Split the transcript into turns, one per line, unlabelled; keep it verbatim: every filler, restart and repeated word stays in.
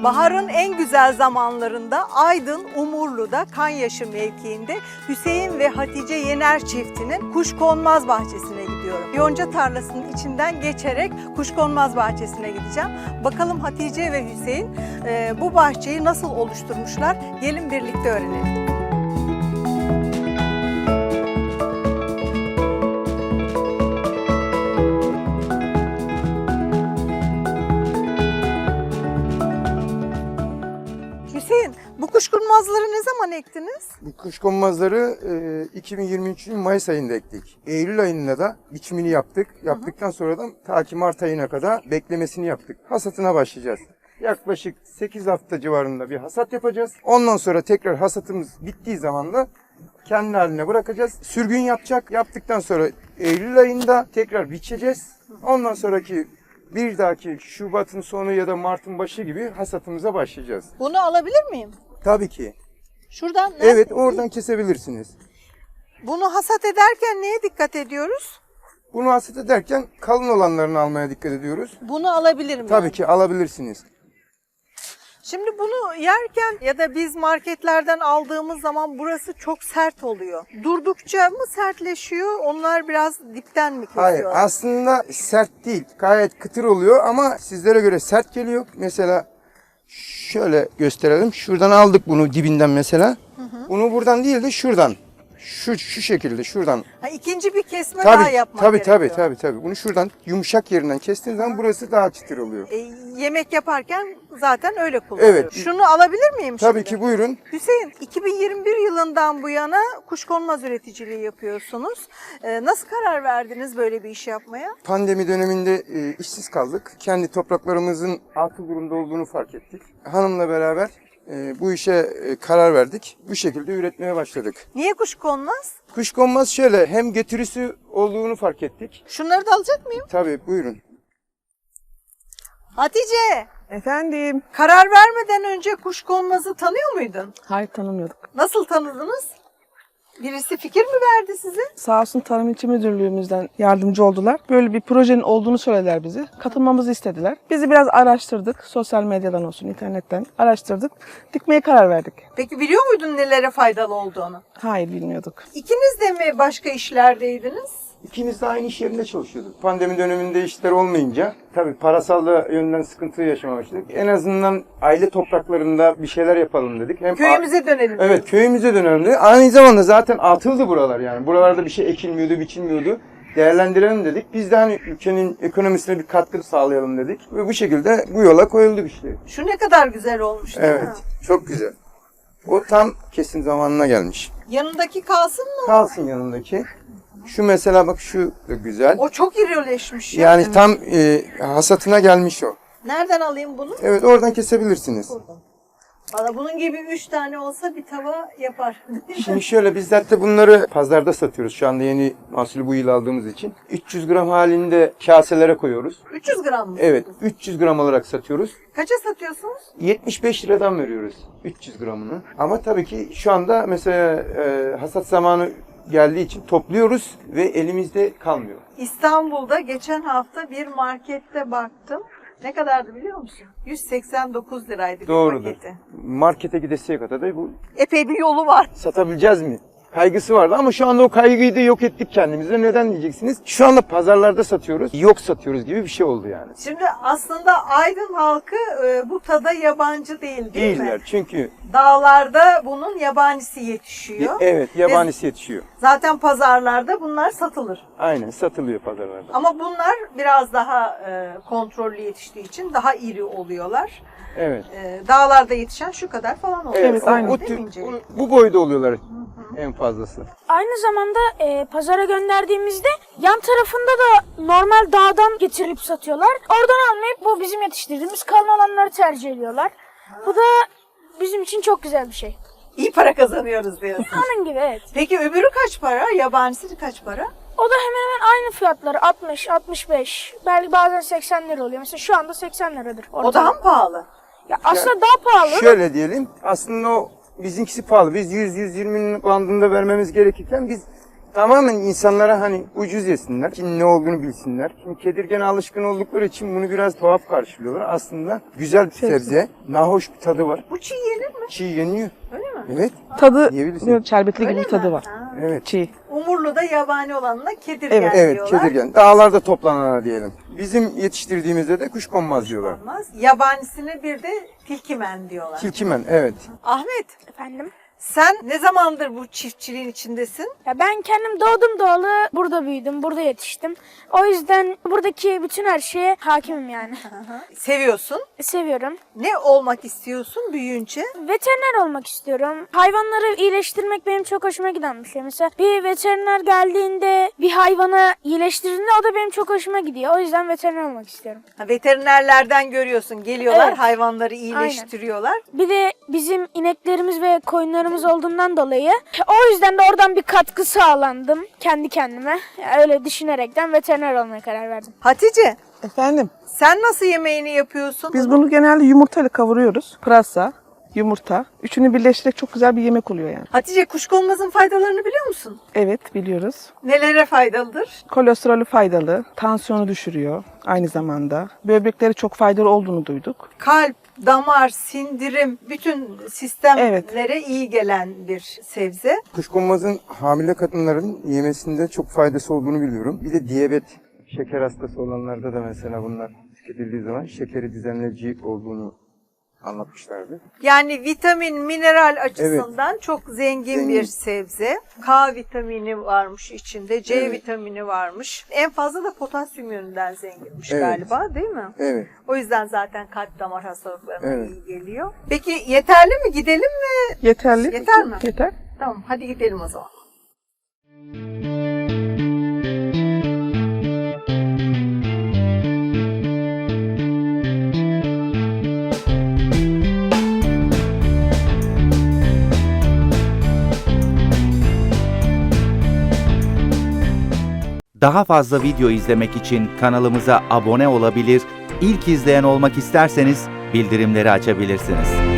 Baharın en güzel zamanlarında Aydın Umurlu'da Kanyaşı mevkiinde Hüseyin ve Hatice Yener çiftinin Kuşkonmaz bahçesine gidiyorum. Yonca tarlasının içinden geçerek Kuşkonmaz bahçesine gideceğim. Bakalım Hatice ve Hüseyin e, bu bahçeyi nasıl oluşturmuşlar? Gelin birlikte öğrenelim. Hüseyin, bu kuşkonmazları ne zaman ektiniz?
Bu kuşkonmazları e, iki bin yirmi üçün Mayıs ayında ektik. Eylül ayında da biçimini yaptık. Yaptıktan sonra da ta ki Mart ayına kadar beklemesini yaptık. Hasatına başlayacağız. Yaklaşık sekiz hafta civarında bir hasat yapacağız. Ondan sonra tekrar hasatımız bittiği zaman da kendi haline bırakacağız. Sürgün yapacak. Yaptıktan sonra Eylül ayında tekrar biçeceğiz. Ondan sonraki bir dahaki Şubat'ın sonu ya da Mart'ın başı gibi hasatımıza başlayacağız.
Bunu alabilir miyim?
Tabii ki.
Şuradan mı?
Evet, oradan kesebilirsiniz.
Bunu hasat ederken neye dikkat ediyoruz?
Bunu hasat ederken kalın olanlarını almaya dikkat ediyoruz.
Bunu alabilir miyim?
Tabii ki alabilirsiniz.
Şimdi bunu yerken ya da biz marketlerden aldığımız zaman burası çok sert oluyor. Durdukça mı sertleşiyor? Onlar biraz dipten mi kesiyor?
Hayır, aslında sert değil. Gayet kıtır oluyor ama sizlere göre sert geliyor. Mesela şöyle gösterelim. Şuradan aldık bunu dibinden mesela. Hı hı. Bunu buradan değil de şuradan. Şu şu şekilde şuradan.
Ha, ikinci bir kesme
Tabii,
daha yapmak
tabii,
gerekiyor.
tabii, tabii, tabii. Bunu şuradan yumuşak yerinden kestiğin zaman burası daha çıtır oluyor.
E, yemek yaparken zaten öyle kullanıyoruz.
Evet.
Şunu alabilir miyim
Tabii
şimdi?
ki, buyurun.
Hüseyin, iki bin yirmi bir yılından bu yana kuşkonmaz üreticiliği yapıyorsunuz. E, nasıl karar verdiniz böyle bir iş yapmaya?
Pandemi döneminde e, işsiz kaldık. Kendi topraklarımızın atıl durumda olduğunu fark ettik. Hanımla beraber e, bu işe e, karar verdik. Bu şekilde üretmeye başladık.
Niye kuşkonmaz?
Kuşkonmaz şöyle, hem getirisi olduğunu fark ettik.
Şunları da alacak mıyım?
Tabii, buyurun.
Hatice,
Efendim?
karar vermeden önce kuşkonmazı tanıyor muydun?
Hayır, tanımıyorduk.
Nasıl tanıdınız? Birisi fikir mi verdi size?
Sağ olsun Tarım İlçe Müdürlüğümüzden yardımcı oldular. Böyle bir projenin olduğunu söylediler bizi. Katılmamızı istediler. Bizi biraz araştırdık. Sosyal medyadan olsun, internetten araştırdık. Dikmeye karar verdik.
Peki biliyor muydun nelere faydalı olduğunu?
Hayır, bilmiyorduk.
İkiniz de mi başka işlerdeydiniz?
İkimiz de aynı iş yerinde çalışıyorduk. Pandemi döneminde işler olmayınca tabii parasal da yönden sıkıntı yaşamaya başladık. En azından aile topraklarında bir şeyler yapalım dedik. Hem
Köyümüze dönelim.
Evet, köyümüze dönelim dedik. Aynı zamanda zaten atıldı buralar yani. Buralarda bir şey ekilmiyordu, biçilmiyordu. Değerlendirelim dedik. Biz de hani ülkenin ekonomisine bir katkı sağlayalım dedik. Ve bu şekilde bu yola koyulduk işte.
Şu ne kadar güzel olmuş değil mi?
Evet, çok güzel. O tam kesim zamanına gelmiş.
Yanındaki kalsın mı?
Kalsın yanındaki. Şu mesela bak, şu da güzel.
O çok irileşmiş ya.
Yani tam e, hasatına gelmiş o.
Nereden alayım bunu?
Evet, oradan kesebilirsiniz.
Valla bunun gibi üç tane olsa bir tava yapar.
Şimdi şöyle, biz zaten bunları pazarda satıyoruz. Şu anda yeni mahsulü bu yıl aldığımız için. üç yüz gram halinde kaselere koyuyoruz.
üç yüz gram mı?
Evet, üç yüz gram olarak satıyoruz.
Kaça satıyorsunuz?
yetmiş beş liradan veriyoruz üç yüz gramını. Ama tabii ki şu anda mesela e, hasat zamanı geldiği için topluyoruz ve elimizde kalmıyor.
İstanbul'da geçen hafta bir markette baktım. Ne kadardı biliyor musun? yüz seksen dokuz liraydı bir
Doğrudur.
paketi.
Markete gidesiye kadar da bu
Epey bir yolu var.
satabileceğiz mi kaygısı vardı ama şu anda o kaygıyı da yok ettik kendimize. Neden diyeceksiniz? Şu anda pazarlarda satıyoruz, yok satıyoruz gibi bir şey oldu yani.
Şimdi aslında Aydın halkı e, bu tada yabancı değil değil
Değiller
mi?
çünkü
Dağlarda bunun yabanisi yetişiyor.
evet, yabanisi yetişiyor.
Zaten pazarlarda bunlar satılır.
Aynen, satılıyor pazarlarda.
Ama bunlar biraz daha e, kontrollü yetiştiği için daha iri oluyorlar.
Evet.
E, dağlarda yetişen şu kadar falan oluyor.
Evet,
Evet, aynen.
o,
Değil mi
tür-
İnce?
bu, bu boyda oluyorlar en fazlası.
Aynı zamanda e, pazara gönderdiğimizde yan tarafında da normal dağdan getirip satıyorlar. Oradan almayıp bu bizim yetiştirdiğimiz kalın olanları tercih ediyorlar. Bu da bizim için çok güzel bir şey.
İyi para kazanıyoruz diyorsun.
Onun gibi evet.
Peki öbürü kaç para? Yabanisi kaç para?
O da hemen hemen aynı fiyatları altmış altmış beş belki bazen seksen lira oluyor. Mesela şu anda seksen liradır.
O
orada.
daha mı pahalı?
Ya aslında daha pahalı.
Şöyle diyelim, aslında o bizimkisi pahalı. Biz yüz yüz yirminin bandında vermemiz gerekirken biz Tamamen insanlara hani ucuz yesinler, Çin'in ne olduğunu bilsinler. Şimdi kedirgene alışkın oldukları için bunu biraz tuhaf karşılıyorlar. Aslında güzel bir sebze, nahoş bir tadı var.
Bu çiğ yenir mi?
Çiğ yeniyor.
Öyle mi?
Evet,
Tadı
Yiyebilirsin.
böyle şerbetli gibi
Öyle
bir tadı
mi?
var.
Ha.
evet.
Çiğ.
Umurlu'da yabani olanına kedirgen
Evet,
Evet,
diyorlar.
kedirgen. Dağlarda toplanana diyelim. Bizim yetiştirdiğimizde de kuşkonmaz diyorlar.
Olmaz. Yabanisine bir de tilkimen diyorlar.
Tilkimen, evet.
Ahmet,
Efendim?
sen ne zamandır bu çiftçiliğin içindesin?
Ya ben kendim doğdum doğalı burada büyüdüm, burada yetiştim. O yüzden buradaki bütün her şeye hakimim yani.
Seviyorsun.
Seviyorum.
Ne olmak istiyorsun büyüyünce?
Veteriner olmak istiyorum. Hayvanları iyileştirmek benim çok hoşuma giden bir şey. Mesela bir veteriner geldiğinde bir hayvanı iyileştirdiğinde o da benim çok hoşuma gidiyor. O yüzden veteriner olmak istiyorum.
Ha, veterinerlerden görüyorsun. Geliyorlar,
Evet.
hayvanları iyileştiriyorlar.
Bir de bizim ineklerimiz ve koyunlarımız olduğundan dolayı o yüzden de oradan bir katkı sağlandım kendi kendime. Öyle düşünerekten veteriner olmaya karar verdim.
Hatice,
Efendim,
sen nasıl yemeğini yapıyorsun?
biz bunu genelde yumurtayla kavuruyoruz. Pırasa, yumurta. Üçünü birleştirerek çok güzel bir yemek oluyor yani.
Hatice, kuşkonmazın faydalarını biliyor musun?
Evet, biliyoruz.
Nelere faydalıdır?
Kolesterolü faydalı, tansiyonu düşürüyor aynı zamanda. Böbrekleri çok faydalı olduğunu duyduk.
Kalp, damar, sindirim, bütün sistemlere iyi gelen bir sebze.
Kuşkonmazın hamile kadınların yemesinde çok faydası olduğunu biliyorum. Bir de diyabet, şeker hastası olanlarda da mesela bunlar tüketildiği zaman şekeri düzenleyici olduğunu anlatmışlardı.
Yani vitamin, mineral açısından çok zengin,
Zengin.
bir sebze. K vitamini varmış içinde, C
Evet.
vitamini varmış. En fazla da potasyum yönünden zenginmiş
Evet.
galiba, değil mi?
Evet.
O yüzden zaten kalp damar hastalıklarına
Evet.
iyi geliyor. Peki yeterli mi? Gidelim mi?
Yeterli.
Yeter mi?
Yeter.
Tamam, hadi gidelim o zaman.
Daha fazla video izlemek için kanalımıza abone olabilir, ilk izleyen olmak isterseniz bildirimleri açabilirsiniz.